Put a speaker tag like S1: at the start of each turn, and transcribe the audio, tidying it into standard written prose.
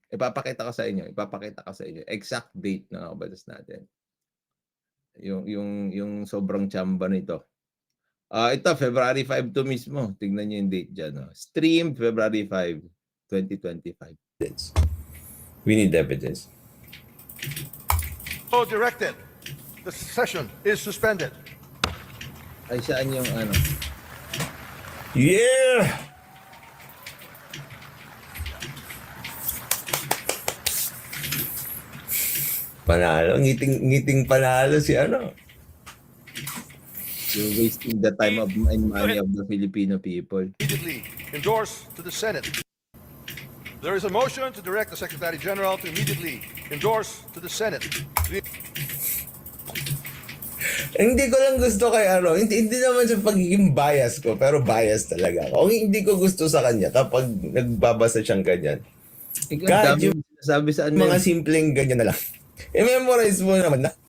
S1: Ipapakita ko sa inyo exact date ng mga batas natin. Yung sobrang tsamba nito. Ito February 5 to mismo. Tignan niyo yung date diyan, oh. Streamed February 5, 2025.
S2: We need evidence.
S3: So directed. The session is suspended.
S1: Ay, saan yung ano?
S2: Yeah! Panalo, ngiting panalo si ano.
S1: You're wasting the time of and money of the Filipino people.
S3: Immediately endorse to the Senate. There is a motion to direct the Secretary General to immediately endorse to the Senate.
S2: Hindi ko lang gusto kay ano, hindi naman sa pagiging bias ko, pero bias talaga ako. Hindi ko gusto sa kanya kapag nagbabasa siyang ganyan.
S1: Ikaw,
S2: God,
S1: dami yung sinasabi sa ano.
S2: Mga simpleng ganyan na lang. I-memorize mo naman na.